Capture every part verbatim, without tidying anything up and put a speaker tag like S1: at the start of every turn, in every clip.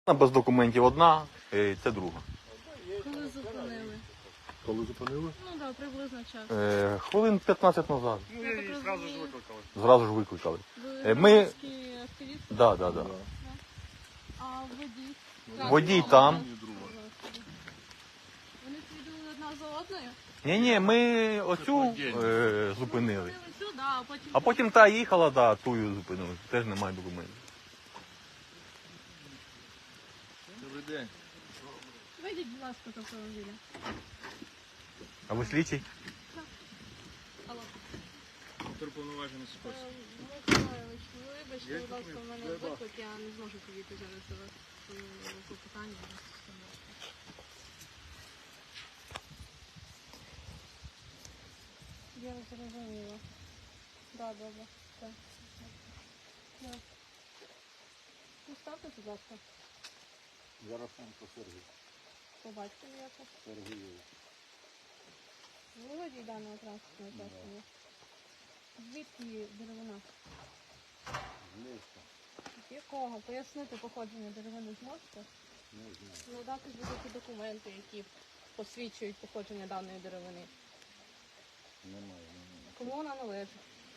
S1: Без документів одна, е, це друга.
S2: Коли зупинили?
S3: Коли зупинили?
S2: Ну так, да, приблизно час.
S1: Е, хвилин п'ятнадцять назад.
S3: Ну,
S2: Я так
S3: її одразу ж
S2: розумію.
S3: викликали.
S1: Зразу ж викликали.
S2: Ви
S1: Е, ми-
S2: громадські активісти?
S1: Да, да, да.
S2: А водій?
S1: Водій там.
S3: І друга.
S2: Вони слідували одна за одною?
S1: Ні, ні, ми оцю е, зупинили.
S2: Зупинили цю, да, а потім...
S1: А потім та їхала, да, тую зупинили. Теж немає документів.
S3: Добрий день.
S2: Вийдіть, будь ласка, з автомобіля.
S1: А ви слідчий?
S2: Алло.
S3: Повноважений спосіб.
S2: Михайлович, вибачте, будь ласка, в мене виклик, я не зможу підійти зараз до вас по питанню. Я зрозуміла. Так, добре. Так. Так. Ну, ставте, будь ласка,
S4: Заросенко Сергій.
S2: побачите якось.
S4: Сергійович.
S2: Ви водій даного транспортного засобу. Звідки деревина?
S4: З ліска.
S2: З якого? Пояснити походження деревини зможете?
S4: Не знаю.
S2: Надати будь-які документи, які посвідчують походження даної деревини.
S4: Немає. немає.
S2: Кому вона належить?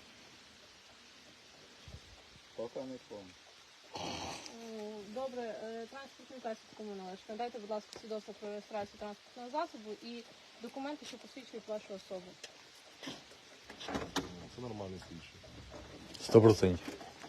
S4: Поки не помню.
S2: О, Добре, е, транспортний засіб кому належить? Надайте, будь ласка, свідоцтво про реєстрацію транспортного засобу і документи, що посвідчують вашу особу.
S3: Це нормальний слідчий.
S1: Сто процентів.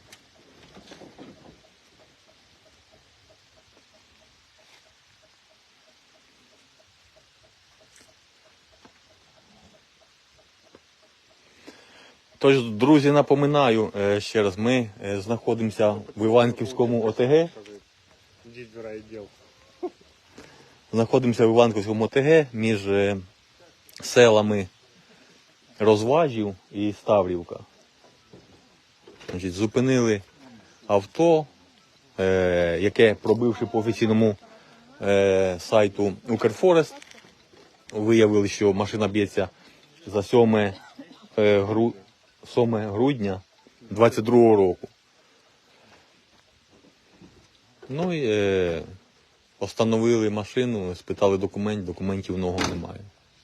S1: Тож, друзі, напоминаю е, ще раз, ми е, знаходимося в Іванківському ОТГ.
S3: Ідіть в райвідділ.
S1: Знаходимося в Іванківському ОТГ між е, селами Розважів і Ставрівка. Значить, зупинили авто, е, яке, пробивши по офіційному е, сайту Укрфорест, виявили, що машина б'ється за сьоме е, гру, сьоме грудня двадцять другого року. Ну і е, остановили машину, спитали документ, документів в нього немає.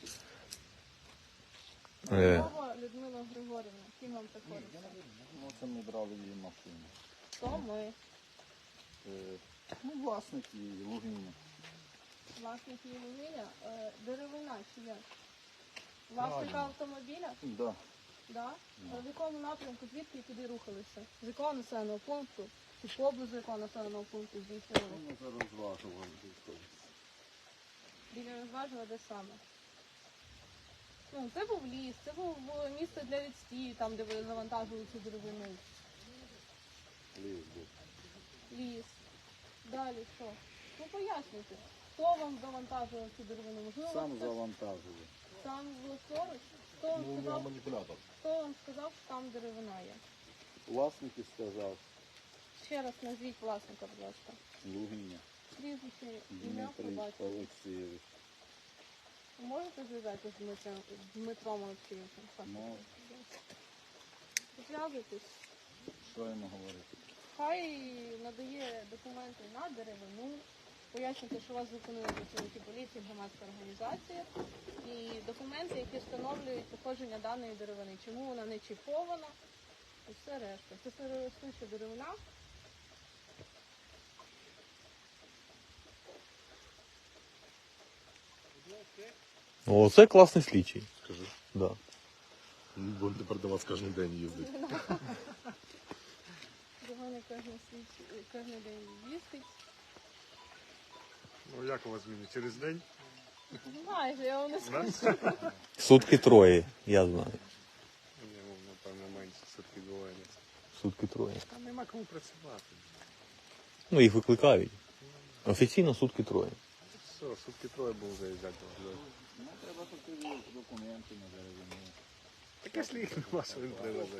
S1: Е,
S2: Мова Людмила Григорівна, ким вам приходиться?
S4: Ну, це ми брали її машину.
S2: Хто ми?
S4: Е, ну, власник її, Лугиня.
S2: Власник її вугілля? Е, Деревина чи як? Власника автомобіля?
S4: Да.
S2: Да? А в якому напрямку, звідки і куди рухалися? З якого населеного пункту? Чи поблизу якого населеного пункту здійснювали?
S4: Ми це розважували.
S2: Біля розважила, де саме? Ну, це був ліс, це був було місце для відстію, там, де ви завантажували цю деревину.
S4: Ліс був.
S2: Ліс. Далі що? Ну, пояснюйте. Хто вам завантажував цю деревину? Можливо,
S4: Сам
S2: хтось
S4: завантажував.
S2: сам власноруч? Хто вам
S3: Ну,
S2: сказав,
S3: маніпулятор.
S2: хто вам сказав, що там деревина є?
S4: Власник і сказав,
S2: Ще раз назвіть власника, будь ласка.
S4: Лугиня.
S2: Прізвище, ім'я,
S4: Дмитрий
S2: побачите.
S4: Олексійович.
S2: Ви можете зв'язатися з Дмитром, з Дмитром Олексійовичем? Так.
S4: Ну,
S2: Зв'язуйтесь.
S4: що йому говорити?
S2: Хай надає документи на деревину, пояснюйте, що вас зупинили працівники поліції, громадська організація, і документи, які встановлюють походження даної деревини, чому вона не чіпована, і все решта. Це сироростуча деревина.
S1: О, це класний слідчий.
S3: Скажи.
S1: Да.
S3: Будемо тепер до вас кожен день їздити.
S2: До мене кожен слідчий- кожен день їздить.
S3: Ну як у вас зміни? Через день?
S2: Майже, я вам не скажу.
S1: Сутки троє, я знаю.
S3: Ні, ну, напевно, менше все-таки буває.
S1: Сутки троє.
S3: Там нема кому працювати.
S1: Ну, їх викликають. Офіційно сутки троє.
S3: Все, сутки троє було заїжджати.
S4: Ну, треба перевірити документи на деревину.
S3: Таке ж їх нема, що він привезе.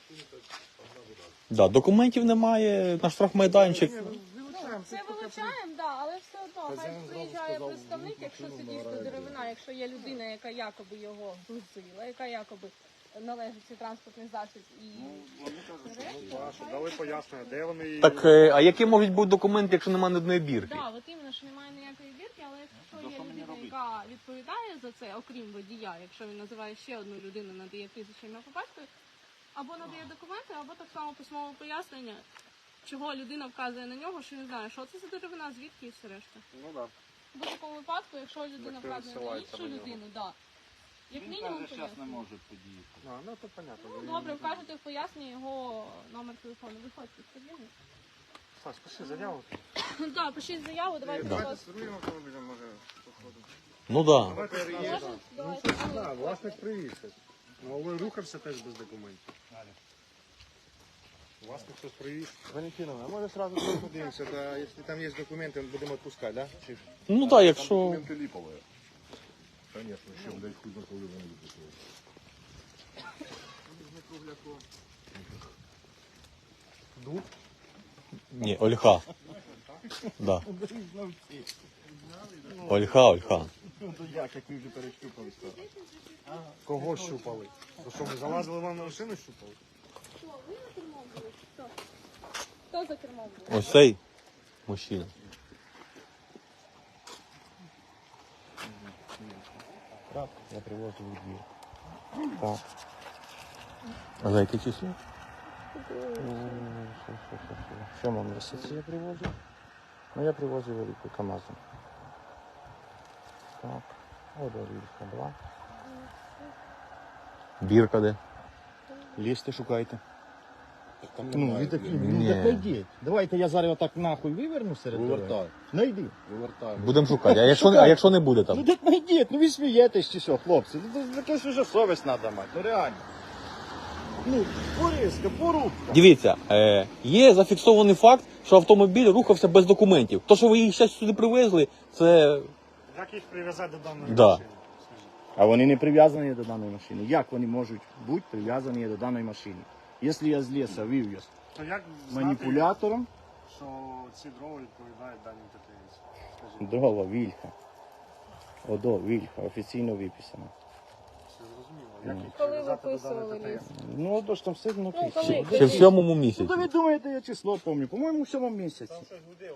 S1: Да, документів немає, на штрафмайданчик.
S2: Це вилучаємо, да, але все одно, хай приїжджає представник, якщо це дійсно деревина, якщо є людина, яка якоби його грузила, яка якоби належить цей транспортний засіб і
S4: Ну, вони кажуть, що
S2: решта,
S4: є.
S3: Да, щоб дали пояснення, де вони...
S1: Так, е, а які можуть бути документи, якщо немає ні одної бірки?
S2: Так, от іменно, що немає ніякої бірки, але якщо
S4: То
S2: є
S4: що мені
S2: людина,
S4: робити?
S2: яка відповідає за це, окрім водія, якщо він називає ще одну людину, надає прізвище ім'я по батькові, або надає документи, або так само письмове пояснення, чого людина вказує на нього, що не знає, що це за деревина, звідки і все решта.
S3: Ну так.
S2: В будь-якому випадку, якщо людина
S3: Як ти
S2: вказує на
S3: відсилається
S2: іншу
S3: на нього.
S2: людину, да. Як
S4: Він
S2: мінімум
S4: каже, зараз не
S2: пояснення.
S4: може подіяти.
S3: Да. А, ну то понятно.
S2: Ну
S3: Він-
S2: добре, вкажете в поясненні його номер телефону. Виходьте з кабіни.
S3: Саш, пиши заяву.
S2: Так, пишіть заяву, давайте
S1: Да.
S2: до вас.
S3: Давайте автомобілем, може, походимо.
S1: Ну так. Да.
S3: Давайте
S2: Може,
S3: Ну,
S2: давайте.
S3: що ж, да, власник привіз. Ну, але рухався теж без документів. Власник щось привіз.
S5: Валентиновна, а може сразу подивимося, да, якщо там є документи, будемо відпускати, да? Чи...
S1: Ну так, якщо.
S6: Документы липовые. Конечно, еще, блядь, хуй на коли вони виписали.
S1: Ні, Ольха. Да. Ольха, Ольха.
S5: Ну, то як, як ви вже перещупали.
S3: Кого щупали? То що, ми залазили вам на машину щупали?
S2: Що, ви на кермом були? чи Хто? Хто за кермом був?
S1: Ось цей мужчина.
S5: Так, я привозив у двір. Так.
S1: А за яке число?
S5: Що, що, що, що? В сьомому місяці я привозив. Ну, я привозив велику КАМАЗом. Так. От Орільська, два.
S1: Бірка де?
S5: Лізьте, шукайте.
S6: Там
S5: Ну,
S6: немає,
S5: ви такі,
S6: блядь.
S5: ну,
S1: Ні.
S5: так найдіть. Давайте я зараз отак нахуй виверну серед дороги.
S6: Вивертай,
S5: Найди.
S6: вивертай.
S1: Будемо шукати. А якщо, а якщо не буде
S5: Ну
S1: там?
S5: так найдіть, ну ви смієтесь чи що, хлопці. Ну, це якась вже совість треба мати, ну реально. Ну, порізка, порубка.
S1: Дивіться, е, є зафіксований факт, що автомобіль рухався без документів. То, що ви їх зараз сюди привезли, це.
S3: Як їх прив'язати до даної
S1: Да.
S3: машини?
S5: А вони не прив'язані до даної машини. Як вони можуть бути прив'язані до даної машини? Якщо я з лісу вивіз
S3: То як знати,
S5: маніпулятором,
S3: що ці дрова відповідають даній ТТС? Скажіть,
S5: дрова, вільха. Одо, вільха, офіційно виписано.
S3: все зрозуміло. Як їх
S2: Коли
S3: прив'язати до
S2: виписували
S3: даної
S2: ліс?
S3: ТТС?
S5: Ну, одо ж там все написано.
S2: коли?
S1: Ще в сьомому
S5: Ну,
S1: місяці.
S5: то ви думаєте, я число пам'ятаю. По-моєму, в сьомому місяці.
S3: Там щось гуділо.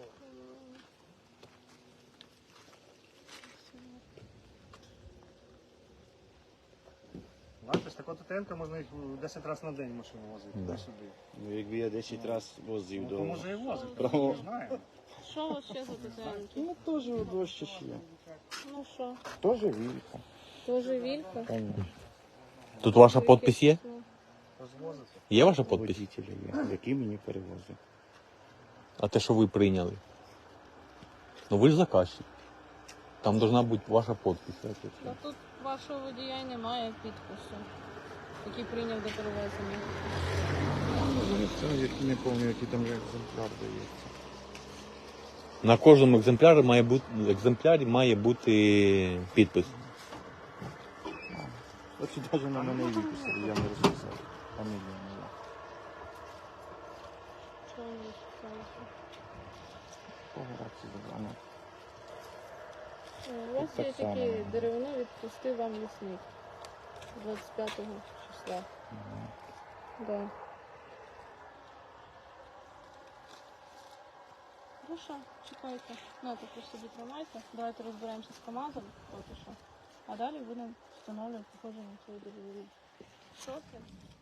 S3: Бачиш, така ТТН можна їх десять разів на день машину возити.
S1: Да.
S3: Туди-сюди.
S5: Ну, якби я десять разів возив
S3: Ну,
S5: до...
S3: то може і возити,
S5: Браво.
S3: ми знаємо.
S2: Що у вас ще за дизайнки?
S5: Ну, теж одо ще ще.
S2: Ну що,
S5: Теж вільха.
S2: теж вілька?
S5: Конечно.
S1: Тут ваша підпис є?
S3: Розвозити.
S1: Є ваша підпис?
S5: Водителя є, який мені перевозив.
S1: А те, що ви прийняли? Ну ви ж заказчик. Там должна бути ваша підпис.
S2: Ну тут вашого водія й немає підпису, який прийняв до перевезення.
S5: Це не пам'ятаю, який там екземпляр дається.
S1: На кожному екземплярі має бути, екземплярі має бути підпис.
S5: От навіть на мене і виписали, я не розписав. Фамілія моя.
S2: Чого не шукаєте?
S5: Пограти забрано.
S2: Е, У вас
S5: Так
S2: є
S5: само.
S2: такі деревини, відпустив вам лісник двадцять п'ятого числа. Да. Хорошо, чекайте. Ну, таку собі тримайте. Давайте розберемося з КАМАЗом, поки що. А далі будемо встановлювати походження цієї деревини. Що це?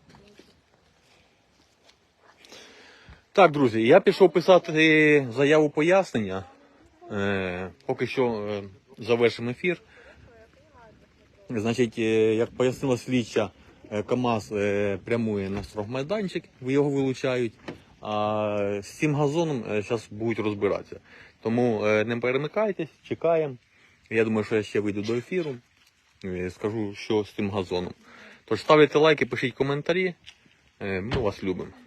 S1: Так, друзі, я пішов писати заяву пояснення. Е, поки що е, завершимо ефір. Значить, е, як пояснила слідча, е, КАМАЗ е, прямує на строгмайданчик, його вилучають, а з цим газоном зараз будуть розбиратися. Тому е, не перемикайтесь, чекаємо. Я думаю, що я ще вийду до ефіру, е, скажу, що з цим газоном. Тож ставте лайки, пишіть коментарі. Е, ми вас любимо.